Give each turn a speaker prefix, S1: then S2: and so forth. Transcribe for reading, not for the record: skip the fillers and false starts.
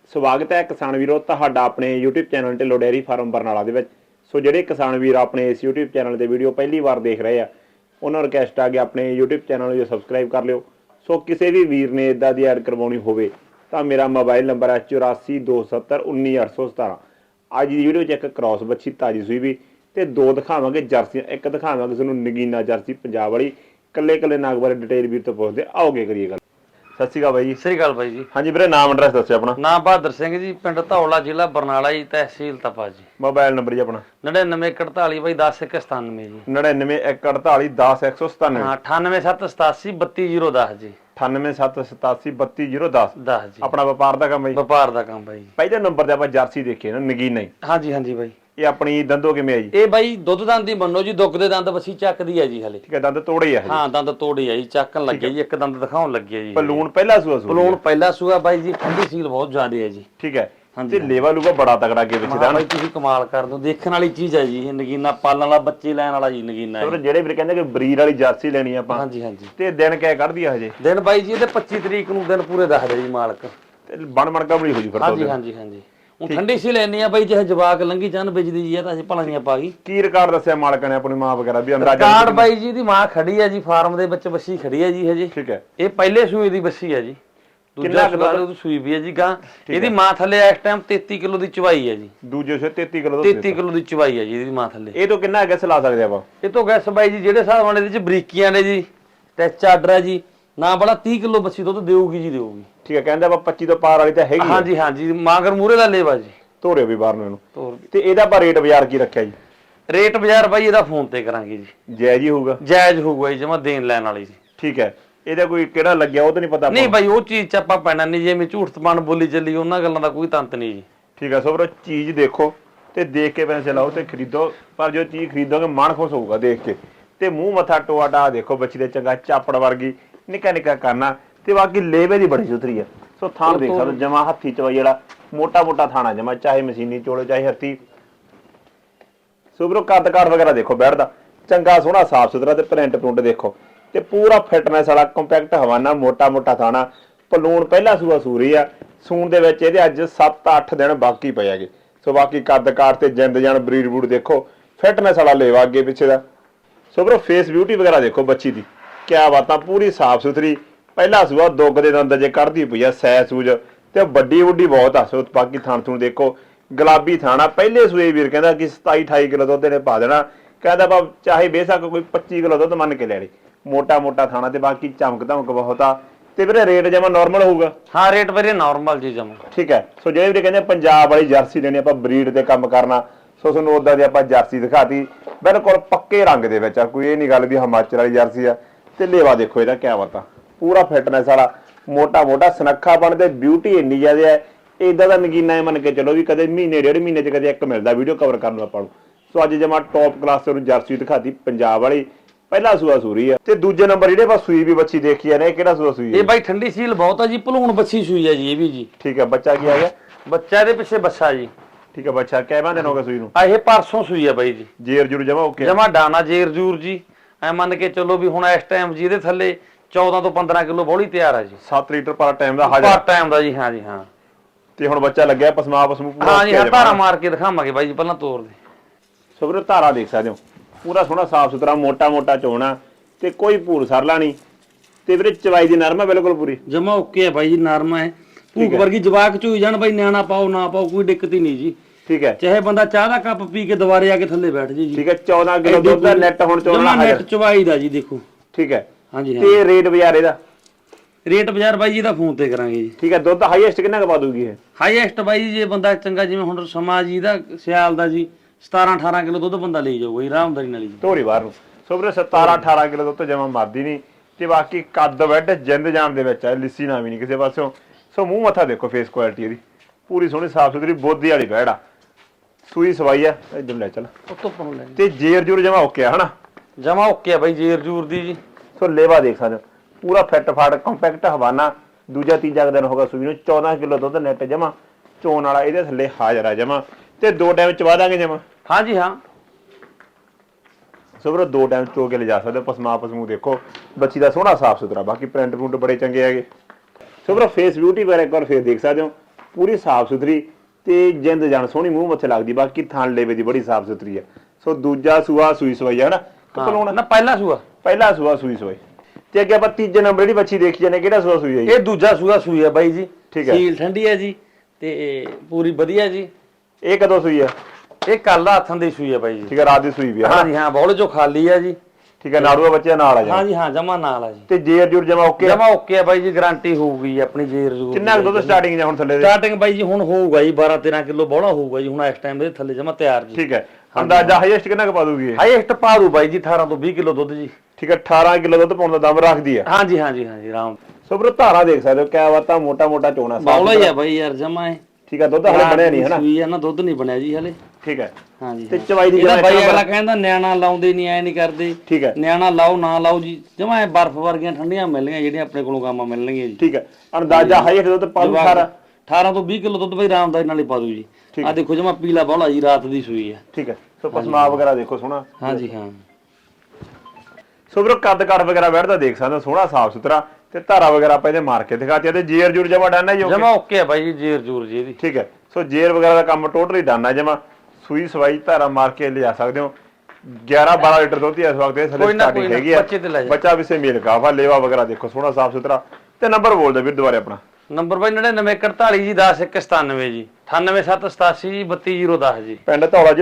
S1: ਸਵਾਗਤ ਹੈ ਕਿਸਾਨ ਵੀਰੋ ਤੁਹਾਡਾ ਆਪਣੇ YouTube channel Dhillon dairy farm Barnala ਦੇ ਵਿੱਚ। ਸੋ ਜਿਹੜੇ ਕਿਸਾਨ ਵੀਰ ਆਪਣੇ ਇਸ YouTube ਚੈਨਲ ਤੇ ਵੀਡੀਓ ਪਹਿਲੀ ਵਾਰ ਦੇਖ ਰਹੇ ਆ ਉਹਨਾਂ ਨੂੰ ਰਿਕਵੈਸਟ ਆ ਕਿ ਆਪਣੇ YouTube ਚੈਨਲ ਨੂੰ ਸਬਸਕ੍ਰਾਈਬ ਕਰ ਲਿਓ। ਸੋ ਕਿਸੇ ਵੀ ਵੀਰ ਨੇ ਇਦਾਂ ਦੀ ਐਡ ਕਰਵਾਉਣੀ ਹੋਵੇ ਤਾਂ ਮੇਰਾ ਮੋਬਾਈਲ ਨੰਬਰ ਹੈ 8427191817। ਅੱਜ ਦੀ ਵੀਡੀਓ 'ਚ ਇੱਕ ਕ੍ਰਾਸ ਬੱਚੀ ਤਾਜੀ ਸੂਈ ਵੀ ਤੇ ਦੋ ਦਿਖਾਵਾਂਗੇ ਜਰਸੀਆਂ, ਇੱਕ ਦਿਖਾਵਾਂਗੇ ਤੁਹਾਨੂੰ ਨਗੀਨਾ ਜਰਸੀ ਪੰਜਾਬ ਵਾਲੀ। ਕੱਲੇ ਨਾਗ ਬਾਰੇ ਡਿਟੇਲ ਵੀਰ ਤੋਂ ਪੁੱਛਦੇ ਆਓਗੇ ਕਰੀਏ ਗੱਲ। ਸਤਿ ਸ਼੍ਰੀ ਅਕਾਲ ਬਾਈ ਜੀ।
S2: ਸਤਿ ਸ਼੍ਰੀ ਅਕਾਲ ਬਾਈ ਜੀ।
S1: ਹਾਂਜੀ ਵੀਰੇ, ਨਾਮ ਐਡਰੈਸ ਦੱਸਿਓ ਆਪਣਾ।
S2: ਨਾਮ ਬਹਾਦਰ ਸਿੰਘ ਜੀ, ਪਿੰਡ ਧੌਲਾ, ਜ਼ਿਲ੍ਹਾ ਬਰਨਾਲਾ ਜੀ, ਤਹਿਸੀਲ ਤਪਾ ਜੀ।
S1: ਮੋਬਾਈਲ ਨੰਬਰ ਜੀ ਆਪਣਾ
S2: 99 ਬਾਈ 10197 ਜੀ।
S1: 9914832197।
S2: ਹਾਂ 9878832010 ਜੀ।
S1: 9878832010
S2: 10 ਜੀ।
S1: ਆਪਣਾ ਵਪਾਰ ਦਾ ਕੰਮ ਬਾਈ।
S2: ਵਪਾਰ ਦਾ ਕੰਮ ਬਾਈ।
S1: ਪਹਿਲੇ ਨੰਬਰ ਤੇ ਆਪਾਂ ਜਰਸੀ ਦੇਖੀ ਨਾ ਨਗੀਨਾ ਹੀ।
S2: ਹਾਂਜੀ ਬਾਈ।
S1: ਇਹ ਆਪਣੀ ਦੰਦੋ ਕਿਵੇਂ ਆ ਜੀ?
S2: ਇਹ ਬਾਈ ਦੁੱਧ ਦੰਦ ਦੀ ਮੰਨੋ ਜੀ, ਦੁੱਧ ਦੇ ਦੰਦ ਵਸੀ ਚੱਕਦੀ ਆ ਜੀ ਹਲੇ।
S1: ਠੀਕ ਹੈ, ਦੰਦ ਤੋੜੇ ਆ ਜੀ।
S2: ਹਾਂ ਦੰਦ ਤੋੜੇ ਆ ਜੀ, ਚੱਕਣ ਲੱਗੇ ਜੀ, ਇੱਕ ਦੰਦ ਦਿਖਾਉਣ ਲੱਗੇ ਜੀ।
S1: ਪਲੂਣ ਪਹਿਲਾ ਸੂਆ
S2: ਪਲੂਣ ਪਹਿਲਾ ਸੂਆ ਬਾਈ ਜੀ, ਠੰਡੀ ਸੀਲ ਬਹੁਤ ਜ਼ਿਆਦਾ ਹੈ ਜੀ।
S1: ਠੀਕ ਹੈ ਤੇ ਲੇਵਾ ਲੂਗਾ ਬੜਾ ਤਗੜਾ ਅੱਗੇ ਵਿੱਚ ਦਾ।
S2: ਬਾਈ ਤੁਸੀਂ ਕਮਾਲ ਕਰ ਦੋ, ਦੇਖਣ ਵਾਲੀ ਚੀਜ਼ ਹੈ ਜੀ ਇਹ। ਨਗੀਨਾ ਪਾਲਣ ਵਾਲਾ, ਬੱਚੇ ਲੈਣ ਵਾਲਾ ਜੀ ਨਗੀਨਾ।
S1: ਜਿਹੜੇ ਵੀਰ ਕਹਿੰਦੇ ਕਿ ਬਰੀਡ ਵਾਲੀ ਜਰਸੀ ਲੈਣੀ ਆਪਾਂ।
S2: ਹਾਂਜੀ
S1: ਤੇ ਦਿਨ ਕਿਆ ਕੱਢਦੀ ਆ ਹਜੇ?
S2: ਦਿਨ ਬਾਈ ਜੀ ਇਹਦੇ 25 ਤਰੀਕ ਨੂੰ ਦਿਨ ਪੂਰੇ ਦੱਸਦੇ ਜੀ ਮਾਲਕ।
S1: ਤੇ ਬਣ ਕਬੜੀ ਹੋ ਜੂ ਫਿਰ।
S2: ਹਾਂਜੀ ਉਹ ਠੰਡੀ ਸੀ ਲੈਣੀ ਆ ਬਾਈ, ਜਿਹੇ ਜਵਾਕ ਲੰਗੀ ਜਾਣ ਵੇਚਦੀ ਜੀ। ਇਹ ਤਾਂ ਅਸੀਂ ਭਲਾਈਆਂ ਪਾ ਗਈ।
S1: ਕੀ ਰਿਕਾਰਡ ਦੱਸਿਆ ਮਾਲਕ ਨੇ ਆਪਣੀ ਮਾਂ ਵਗੈਰਾ ਵੀ ਅੰਦਾਜ਼ਾ?
S2: ਰਿਕਾਰਡ ਬਾਈ ਜੀ ਦੀ ਮਾਂ ਖੜੀ ਆ ਜੀ ਫਾਰਮ ਦੇ ਵਿੱਚ, ਬੱਸੀ ਖੜੀ ਆ ਜੀ ਹਜੇ।
S1: ਠੀਕ ਹੈ,
S2: ਇਹ ਪਹਿਲੇ ਸੂਏ ਦੀ ਬੱਸੀ ਆ ਜੀ।
S1: ਕਿੰਨਾ
S2: ਕਿਲੋ ਸੂਈ ਵੀ ਹੈ ਜੀ ਗਾਂ। ਇਹਦੀ ਮਾਂ ਥੱਲੇ ਇਸ ਟਾਈਮ 33 ਕਿਲੋ ਦੀ ਚਵਾਈ ਹੈ ਜੀ।
S1: ਦੂਜੇ ਸੇ 33 ਕਿਲੋ
S2: 33 ਕਿਲੋ ਦੀ ਚਵਾਈ ਹੈ ਜੀ ਇਹਦੀ ਮਾਂ ਥੱਲੇ।
S1: ਇਹ ਤੋਂ ਕਿੰਨਾ ਗੈਸ ਲਾ ਸਕਦੇ ਆਪਾਂ?
S2: ਇਹ ਤੋਂ ਗੈਸ ਬਾਈ ਜੀ ਜਿਹੜੇ ਹਿਸਾਬ ਨਾਲ ਇਹਦੇ ਚ ਬਰੀਕੀਆਂ ਨੇ ਜੀ, ਟੈਚ ਆਰਡਰ ਹੈ ਜੀ, ਨਾ ਬੜਾ 30 ਕਿਲੋ ਬੱਸੀ ਦੁੱਧ ਦੇਊਗੀ ਜੀ, ਦੇਊਗੀ।
S1: ਠੀਕ ਹੈ, ਕਹਿੰਦੇ ਆਪਾਂ 25 ਤੋਂ ਪਾਰ ਵਾਲੀ ਤਾਂ ਹੈਗੀ।
S2: ਹਾਂਜੀ ਮਾਂਗਰ ਮੂਰੇ ਦਾ ਲੇਵਾ ਜੀ।
S1: ਤੋਰਿਓ ਵੀ ਬਾਹਰ ਨੂੰ ਇਹਨੂੰ। ਤੇ ਇਹਦਾ ਆਪਾਂ ਰੇਟ ਬਾਜ਼ਾਰ ਕੀ ਰੱਖਿਆ ਜੀ?
S2: ਰੇਟ ਬਾਜ਼ਾਰ ਬਾਈ ਇਹਦਾ ਫੋਨ ਤੇ ਕਰਾਂਗੇ ਜੀ।
S1: ਜਾਇਜ਼ ਹੀ ਹੋਊਗਾ?
S2: ਜਾਇਜ਼ ਹੋਊਗਾ ਜੀ, ਜਮਾ ਦੇਣ ਲੈਣ ਵਾਲੀ ਜੀ।
S1: ਠੀਕ ਹੈ, ਇਹਦਾ ਕੋਈ ਕਿਹੜਾ ਲੱਗਿਆ ਉਹ ਤਾਂ ਨਹੀਂ ਪਤਾ?
S2: ਨਹੀਂ ਬਾਈ ਉਹ ਚੀਜ਼ ਚ ਆਪਾਂ ਪੈਣਾ ਨਹੀਂ, ਜਿਵੇਂ ਝੂਠ ਤਮਾਨ ਬੋਲੀ ਚੱਲੀ ਉਹਨਾਂ ਗੱਲਾਂ ਦਾ ਕੋਈ ਤੰਤ ਨਹੀਂ ਜੀ।
S1: ਠੀਕ ਹੈ, ਸੋ ਚੀਜ਼ ਦੇਖੋ ਤੇ ਦੇਖ ਕੇ ਪੈਸੇ ਲਾਓ ਤੇ ਖਰੀਦੋ। ਪਰ ਜੋ ਚੀਜ਼ ਖਰੀਦੋਗੇ ਮਨ ਖੁਸ਼ ਹੋਊਗਾ ਦੇਖ ਕੇ। ਤੇ ਮੂੰਹ ਮੱਥਾ ਟੋਆ ਟਾ ਦੇਖੋ ਬੱਚੀ ਦੇ, ਚੰਗਾ ਚਾਪੜ ਵਰਗੀ ਨਿੱਕਾ ਕਰਨਾ। ਤੇ ਬਾਕੀ ਲੇਵੇ ਦੀ ਬੜੀ ਸੁਥਰੀ ਆ। ਸੋ ਥਾਣ ਦੇਖ ਸਕਦੇ ਜਮਾ ਹੱਥੀ ਚਵਾਈ ਜਿਹੜਾ ਮੋਟਾ ਥਾਣਾ ਜਮਾ, ਚਾਹੇ ਮਸ਼ੀਨੀ ਚੋਲੋ ਚਾਹੇ ਹੱਥੀ। ਸੋ ਵੀਰੋ ਕੱਦ ਕਾਠ ਵਗੈਰਾ ਦੇਖੋ ਬੈਠਦਾ ਚੰਗਾ ਸੋਹਣਾ ਸਾਫ ਸੁਥਰਾ। ਤੇ ਪ੍ਰਿੰਟ ਪ੍ਰਿੰਟ ਦੇਖੋ ਤੇ ਪੂਰਾ ਫਿਟਨੈਸ ਵਾਲਾ ਕੰਪੈਕਟ ਹਵਾਨਾ, ਮੋਟਾ ਥਾਣਾ। ਪਲੂਣ ਪਹਿਲਾ ਸੂਆ ਸੂਰੀ ਆ। ਸੂਣ ਦੇ ਵਿੱਚ ਇਹਦੇ ਅੱਜ 7-8 ਦਿਨ ਬਾਕੀ ਪਏ ਹੈਗੇ। ਸੋ ਬਾਕੀ ਕੱਦ ਕਾਠ ਤੇ ਜਿੰਦ ਜਾਨ ਬਰੀਡ ਬੂਡ ਦੇਖੋ, ਫਿਟਨੈਸ ਵਾਲਾ ਲੇਵਾ ਅੱਗੇ ਪਿੱਛੇ ਦਾ। ਸੋ ਵੀਰੋ ਫੇਸ ਬਿਊਟੀ ਵਗੈਰਾ ਦੇਖੋ ਬੱਚੀ ਦੀ, ਕਿਆ ਬਾਤਾਂ, ਪੂਰੀ ਸਾਫ ਸੁਥਰੀ। ਪਹਿਲਾ ਸੂਆ ਦੁੱਗ ਦੇ ਦੰਦ ਜੇ ਕੱਢਦੀ ਪਈ ਆ, ਸੈ ਸੂਜ ਤੇ ਵੱਡੀ ਬਹੁਤ ਆ। ਸੋ ਬਾਕੀ ਥਾਣ ਥੂਣ ਦੇਖੋ, ਗੁਲਾਬੀ ਥਾਣਾ। ਪਹਿਲੇ ਸੂਏ ਵੀਰ ਕਹਿੰਦਾ ਕਿ 27-28 ਕਿਲੋ ਦੁੱਧ ਨੇ ਪਾ ਦੇਣਾ। ਕਹਿੰਦਾ ਬਾ ਚਾਹੇ ਬੇਸ਼ੱਕ ਕੋਈ 25 ਕਿਲੋ ਦੁੱਧ ਮੰਨ ਕੇ ਲੈ ਲਈ। ਮੋਟਾ ਥਾਣਾ ਤੇ ਬਾਕੀ ਚਮਕ ਧਮਕ ਬਹੁਤ ਆ। ਤੇ ਵੀਰੇ ਰੇਟ ਜਮਾ ਨਾਰਮਲ ਹੋਊਗਾ?
S2: ਹਾਂ ਰੇਟ ਵੀਰੇ ਨਾਰਮਲ ਜੀ ਜਮਾ।
S1: ਠੀਕ ਹੈ, ਸੋ ਜਿਹੜੇ ਵੀਰੇ ਕਹਿੰਦੇ ਪੰਜਾਬ ਵਾਲੀ ਜਰਸੀ ਲੈਣੀ, ਆਪਾਂ ਬਰੀਡ ਤੇ ਕੰਮ ਕਰਨਾ, ਸੋ ਤੁਹਾਨੂੰ ਉਦਾਂ ਦੀ ਆਪਾਂ ਜਰਸੀ ਦਿਖਾਤੀ। ਬਿਲਕੁਲ ਪੱਕੇ ਰੰਗ ਦੇ ਵਿੱਚ ਆ, ਕੋਈ ਇਹ ਨਹੀਂ ਗੱਲ ਵੀ ਹਿਮਾਚਲ ਵਾਲੀ ਜਰਸੀ ਆ। ਤੇ ਲੇਵਾ ਦੇਖੋ ਇਹਦਾ ਕਿਆ ਬਾਤ ਆ, ਪੂਰਾ ਫਿਟਨੈਸ ਵਾਲਾ, ਮੋਟਾ ਸੁਨੱਖਾ ਬਣ ਤੇ ਬਿਊਟੀ ਇੰਨੀ ਜ਼ਿਆਦਾ ਹੈ। ਇਦਾਂ ਦਾ ਨਗੀਨਾ ਮੰਨ ਕੇ ਚਲੋ ਵੀ ਕਦੇ ਮਹੀਨੇ ਡੇਢ ਮਹੀਨੇ ਚ ਕਦੇ ਇੱਕ ਮਿਲਦਾ ਵੀਡੀਓ ਕਵਰ ਕਰਨ ਨੂੰ ਆਪਾਂ ਨੂੰ। ਸੋ ਅੱਜ ਜਮਾ ਟੌਪ ਕਲਾਸ ਨੂੰ ਜਰਸੀ ਦਿਖਾਤੀ ਪੰਜਾਬ ਵਾਲੀ। ਪਹਿਲਾ ਸੂਆ ਸੂਰੀ ਆ। ਤੇ ਦੂਜੇ ਨੰਬਰ ਜਿਹੜੇ ਆਪਾਂ ਸੂਈ ਵੀ ਬੱਚੀ ਦੇਖੀ ਆ ਨੇ, ਇਹ ਕਿਹੜਾ ਸੂਆ ਸੂਈ ਹੈ?
S2: ਇਹ ਬਾਈ ਠੰਡੀ ਸੀਲ ਬਹੁਤ ਆ ਜੀ, ਭਲੂਣ ਬੱਚੀ ਸੂਈ ਹੈ ਜੀ ਇਹ ਵੀ ਜੀ।
S1: ਠੀਕ ਹੈ, ਬੱਚਾ ਕੀ ਆ ਗਿਆ?
S2: ਬੱਚਾ ਇਹਦੇ ਪਿੱਛੇ ਬੱਚਾ ਜੀ।
S1: ਠੀਕ ਹੈ, ਬੱਚਾ ਕਿੰਨੇ ਦਿਨ ਹੋ ਗਏ ਸੂਈ ਨੂੰ?
S2: ਇਹ ਪਰਸੋਂ ਸੂਈ ਆ ਬਾਈ ਜੀ।
S1: ਜੇਰ ਜੂਰ ਜਮਾ ਓਕੇ?
S2: ਜਮਾ ਡਾਣਾ ਜੇਰ ਜੂਰ ਜੀ। ਐ ਮੰਨ ਕੇ ਚਲੋ ਵੀ ਹੁਣ ਇਸ ਟਾਈਮ ਜੀ ਇਹਦੇ ਥੱਲੇ 14 ਤੋਂ 15 ਕਿਲੋ ਬੋਲੀ ਤਿਆਰ ਆ ਜੀ।
S1: 7 ਲੀਟਰ ਪਰ ਟਾਈਮ ਦਾ ਹਾਜ਼ਰ?
S2: ਪਰ ਟਾਈਮ ਦਾ ਜੀ। ਹਾਂ। ਤੇ
S1: ਹੁਣ ਬੱਚਾ ਲੱਗਿਆ ਪਸਮਾ ਪਸਮੂ ਪੂਰਾ?
S2: ਹਾਂ ਜੀ, ਧਾਰਾ ਮਾਰ ਕੇ ਦਿਖਾਵਾਂਗੇ ਬਾਈ ਜੀ, ਪਹਿਲਾਂ ਤੋਰ ਦੇ।
S1: ਸੋ ਵੀਰੋ ਧਾਰਾ ਦੇਖ ਸਕਦੇ ਹੋ, ਪੂਰਾ ਸੋਹਣਾ ਸਾਫ ਸੁਥਰਾ ਮੋਟਾ ਚੋਣਾ ਤੇ ਕੋਈ ਭੂਰ ਸਰਲਾ ਨਹੀਂ। ਤੇ ਵੀਰੇ ਚਵਾਈ ਦੀ ਨਰਮ ਹੈ ਬਿਲਕੁਲ ਪੂਰੀ?
S2: ਜਮਾ ਓਕੇ ਹੈ ਬਾਈ ਜੀ, ਨਰਮ ਹੈ। ਭੂਕ ਵਰਗੀ ਜਵਾਕ ਚੋਈ ਜਾਣ ਬਾਈ, ਨਿਆਣਾ ਪਾਓ ਨਾ ਪਾਓ ਕੋਈ ਦਿੱਕਤ ਹੀ ਨਹੀਂ ਜੀ।
S1: ਠੀਕ ਹੈ,
S2: ਚਾਹੇ ਬੰਦਾ ਚਾਹ ਦਾ ਕੱਪ ਪੀ ਕੇ ਦੁਬਾਰੇ ਆ ਕੇ ਥੱਲੇ ਬੈਠ ਜੇ ਜੀ।
S1: ਠੀਕ ਹੈ, 14 ਕਿਲੋ ਦੁੱਧ ਦਾ ਨੈਟ ਹੁਣ ਚੋਣਾ
S2: ਨੈਟ ਚਵਾਈ ਦਾ ਜੀ ਦੇਖੋ।
S1: ਠੀਕ ਹੈ,
S2: ਹਾਂਜੀ।
S1: ਤੇ ਰੇਟ ਬਾਜ਼ਾਰ ਇਹਦਾ?
S2: ਰੇਟ ਬਾਜ਼ਾਰ ਬਾਈ ਜੀ ਦਾ ਫੋਨ ਤੇ ਕਰਾਂਗੇ ਜੀ।
S1: ਠੀਕ ਹੈ, ਦੁੱਧ ਹਾਈਐਸਟ ਕਿੰਨਾ ਕੁ ਪਾ ਦੂਗੀ ਇਹ?
S2: ਹਾਈਐਸਟ ਬਾਈ ਜੀ ਜੇ ਬੰਦਾ ਚੰਗਾ, ਜਿਵੇਂ ਹੁਣ ਸਮਾਂ ਜੀ ਦਾ ਸਿਆਲ ਦਾ ਜੀ, 17-18 ਕਿਲੋ ਦੁੱਧ ਬੰਦਾ ਲਈ ਜਾਊਗਾ ਜੀ ਆਰਾਮਦਾਰੀ ਨਾਲ ਜੀ।
S1: ਧੋਰੀ ਬਾਹਰ ਨੂੰ। ਸੋ ਵੀਰੇ 17-18 ਕਿਲੋ ਦੁੱਧ ਜਮਾ ਮਰਦੀ ਨਹੀਂ। ਤੇ ਬਾਕੀ ਕੱਦ ਬੈਡ ਜਿੰਦ ਜਾਣ ਦੇ ਵਿੱਚ ਹੈ, ਲਿੱਸੀ ਨਾ ਵੀ ਨਹੀਂ ਕਿਸੇ ਪਾਸਿਓਂ। ਸੋ ਮੂੰਹ ਮੱਥਾ ਦੇਖੋ, ਫੇਸ ਕੁਆਲਿਟੀ ਇਹਦੀ ਪੂਰੀ ਸੋਹਣੀ ਸਾਫ ਸੁਥਰੀ ਬੋਦੀ ਵਾਲੀ ਬੈੜ ਆ। ਸੂਈ ਸਵਾਈ ਆ ਇਧਰ ਲੈ ਚੱਲ ਤੇ ਜੇਰ ਜੂਰ ਜਮਾ ਓਕੇ ਆ ਹਨਾ?
S2: ਜਮਾ ਓਕੇ ਆ ਬਾਈ, ਜੇਰ ਜੂਰ ਦੀ ਜੀ।
S1: ਸੋ ਲੇਵਾ ਦੇਖ ਸਕਦੇ ਹੋ, ਪੂਰਾ ਫਿੱਟ ਫਾੜ ਕੰਪੈਕਟ ਹਵਾਨਾ। ਦੂਜਾ ਤੀਜਾ ਦਿਨ ਹੋਗਾ ਸੂਈ ਨੂੰ। 14 ਕਿਲੋ ਦੁੱਧ ਨੈਟ ਜਮਾ ਚੋਣ ਵਾਲਾ ਇਹਦੇ ਥੱਲੇ ਹਾਜ਼ਰ ਆ ਜਮਾ। ਤੇ 2 ਟਾਈਮ ਚਵਾ ਦਾਂਗੇ ਜਮਾ?
S2: ਹਾਂਜੀ ਹਾਂ।
S1: ਸੋ ਵੀਰੋ 2 ਟਾਈਮ ਚੋ ਕੇ ਲਿਜਾ ਸਕਦੇ ਹੋ। ਪਸਮਾ ਪਸਮੂ ਦੇਖੋ ਬੱਚੀ ਦਾ ਸੋਹਣਾ ਸਾਫ ਸੁਥਰਾ, ਬਾਕੀ ਪ੍ਰਿੰਟ ਪ੍ਰਿੰਟ ਬੜੇ ਚੰਗੇ ਹੈਗੇ। ਸੋ ਵੀਰੋ ਫੇਸ ਬਿਊਟੀ ਵਗੈਰਾ ਇੱਕ ਵਾਰ ਫੇਰ ਦੇਖ ਸਕਦੇ ਹੋ। ਪੂਰੀ ਸਾਫ ਸੁਥਰੀ ਤੇ ਜਿੰਦ ਜਾਨ ਸੋਹਣੀ ਮੂੰਹ ਮੱਥੇ ਲੱਗਦੀ। ਬਾਕੀ ਥਣ ਲੇਵੇ ਦੀ ਬੜੀ ਸਾਫ ਸੁਥਰੀ ਆ। ਸੋ ਦੂਜਾ ਸੂਆ ਸੂਈ ਸਵਾਈ ਹੈ ਨਾ
S2: ਨਾ ਪਹਿਲਾ ਸੂਆ
S1: ਪਹਿਲਾ ਸੂਆ ਸੂਈ ਸਵਾਈ। ਤੇ ਅੱਗੇ ਆਪਾਂ ਤੀਜੇ ਨੰਬਰ ਜਿਹੜੀ ਬੱਚੀ ਦੇਖੀ ਜਾਂਦੇ ਕਿਹੜਾ ਸੂਆ ਸੂਈ ਹੈ ਜੀ?
S2: ਇਹ ਦੂਜਾ ਸੂਆ ਸੂਈ ਆ ਬਾਈ ਜੀ।
S1: ਠੀਕ ਹੈ।
S2: ਸੀਲ ਠੰਡੀ ਹੈ ਜੀ ਤੇ ਪੂਰੀ ਵਧੀਆ ਜੀ।
S1: ਇਹ ਕਦੋਂ ਸੂਈ ਆ?
S2: ਇਹ ਕੱਲ ਦਾ ਹੱਥਾਂ ਦੀ ਸੂਈ ਆ ਬਾਈ ਜੀ।
S1: ਠੀਕ ਹੈ, ਰਾਤ ਦੀ ਸੂਈ ਵੀ ਆ।
S2: ਹਾਂਜੀ ਹਾਂ, ਬੌਲੇ ਚੋਂ ਖਾਲੀ ਆ ਜੀ।
S1: ਠੀਕ ਹੈ, ਨਾੜੂਆ ਬੱਚੇ ਨਾਲ ਆ ਜਾ।
S2: ਹਾਂਜੀ ਹਾਂ, ਜਮਾ ਨਾਲ ਆ ਜੀ।
S1: ਤੇ ਜੇਰ ਜੂਰ ਜਮਾ ਓਕੇ?
S2: ਜਮਾ ਓਕੇ ਆ ਬਾਈ ਜੀ, ਗਾਰੰਟੀ ਹੋਊਗੀ ਆਪਣੀ ਜੇਰ ਜੂਰ।
S1: ਕਿੰਨਾ ਦੁੱਧ ਸਟਾਰਟਿੰਗ ਜਾਂ ਹੁਣ ਥੱਲੇ ਦੇ?
S2: ਸਟਾਰਟਿੰਗ ਬਾਈ ਜੀ ਹੁਣ ਹੋਊਗਾ ਜੀ 12 13 ਕਿਲੋ ਬੌਲਾ ਹੋਊਗਾ ਜੀ ਹੁਣ ਇਸ ਟਾਈਮ ਦੇ ਥੱਲੇ ਜਮਾ ਤਿਆਰ ਜੀ।
S1: ਠੀਕ ਹੈ, ਅੰਦਾਜ਼ਾ ਹਾਈਐਸਟ ਕਿੰਨਾ ਕੁ ਪਾ ਦੂਗੀ ਇਹ?
S2: ਹਾਈਐਸਟ ਪਾ ਦੂ ਬਾਈ ਜੀ 18 ਤੋਂ 20 ਕਿਲੋ ਦੁੱਧ ਜੀ।
S1: ਠੀਕ ਹੈ, 18 ਕਿਲੋ ਦੁੱਧ ਪਾਉਣ ਦਾ ਦਮ ਰੱਖਦੀ ਆ।
S2: ਹਾਂਜੀ ਹਾਂਜੀ ਹਾਂਜੀ, ਆਰਾਮ।
S1: ਸੋ ਬਰੋ ਧਾਰਾ ਦੇਖ ਸਕਦੇ ਹੋ, ਕਿਆ ਬਾਤਾਂ, ਮੋਟਾ ਮੋਟਾ ਚੋਣਾ
S2: ਬੌਲਾ ਹੀ ਆ ਬਾਈ ਯਾਰ ਜਮਾ ਹੈ।
S1: ਠੀਕ ਹੈ, ਦੁੱਧ ਹਲੇ ਬਣਿਆ ਨਹੀਂ ਹੈ ਨਾ?
S2: ਸੂਈ ਆ ਨਾ, ਦੁੱਧ ਨਹੀਂ ਬਣਿਆ ਜੀ ਹਲੇ।
S1: ਠੀਕ ਹੈ।
S2: ਹਾਂਜੀ
S1: ਤੇ ਚਵਾਈ ਦੀ
S2: ਜਿਹੜਾ ਬਾਈ ਅਗਲਾ ਕਹਿੰਦਾ ਨਿਆਣਾ ਲਾਉਂਦੇ ਨਹੀਂ, ਐ ਨਹੀਂ ਕਰਦੇ।
S1: ਠੀਕ ਹੈ।
S2: ਨਿਆਣਾ ਲਾਓ ਨਾ ਲਾਓ ਜੀ, ਜਮਾ ਐ ਬਰਫ਼ ਵਰਗੀਆਂ ਠੰਡੀਆਂ ਮਿਲਣਗੀਆਂ ਜਿਹੜੀਆਂ ਆਪਣੇ ਕੋਲੋਂ ਗਾਵਾਂ ਮਿਲਣਗੀਆਂ ਜੀ।
S1: ਠੀਕ ਹੈ, ਅੰਦਾਜ਼ਾ ਹਾਈਐਸਟ ਦੁੱਧ ਪਾ ਦੂ
S2: 18 ਤੋਂ 20 ਕਿਲੋ ਦੁੱਧ ਬਾਈ ਆਰਾਮਦਾਰੀ ਨਾਲ ਹੀ ਪਾ ਦੂ ਜੀ। ਆ ਦੇਖੋ ਜਮਾ ਪੀਲਾ ਬੌਲਾ ਜੀ, ਰਾਤ ਦੀ ਸੂਈ ਆ।
S1: ਠੀਕ ਹੈ। ਸੋ ਪਸਮਾ ਵਗੈਰਾ ਦੇਖੋ ਸੋਹਣਾ।
S2: ਹਾਂਜੀ ਹਾਂ।
S1: ਸੋ ਬਰੋ ਕੱਦ ਕੱਟ ਵਗੈਰਾ ਬੈਠਦਾ ਦੇਖ ਸਕਦੇ ਹੋ, ਸੋਹਣਾ ਸਾਫ ਸੁਥਰਾ। ਤੇ ਧਾਰਾ ਵਗੈਰਾ ਆਪਾਂ ਇਹਦੇ ਮਾਰ ਕੇ ਦਿਖਾਤੀ ਤੇ ਜੇਰ ਜੂਰ ਜਮਾ ਡਨ ਹੈ ਜੀ?
S2: ਜਮਾ ਓਕੇ ਆ ਬਾਈ ਜੀ, ਜੇਰ ਜੂਰ ਜੀ ਇਹਦੀ।
S1: ਠੀਕ ਹੈ। ਸੋ ਜੇਰ ਵਗੈਰਾ ਦਾ ਕੰਮ ਟੋਟਲੀ ਡਨ ਹੈ ਜਮਾ। ਸੂਈ ਸਵਾਈ ਧਾਰਾ ਮਾਰ ਕੇ ਲਿਆ ਸਕਦੇ ਹੋ। 11 12 ਲੀਟਰ ਦੁੱਧ ਇਸ ਵਕਤ ਇਹ ਥੱਲੇ ਸਟਾਰਟਿੰਗ ਹੈਗੀ ਆ। ਬੱਚਾ ਵੀ ਸੇ ਮੇਲ ਕਾਫਾ, ਲੇਵਾ ਵਗੈਰਾ ਦੇਖੋ ਸੋਹਣਾ ਸਾਫ ਸੁਥਰਾ। ਤੇ ਨੰਬਰ ਬੋਲ ਦੇ ਵੀਰ ਦੁਬਾਰੇ ਆਪਣਾ।
S2: ਨੰਬਰ ਬਾਈ 99 41 ਜੀ 10 197 ਜੀ 98787 32010 ਜੀ।
S1: ਪਿੰਡ ਧੌਲਾ।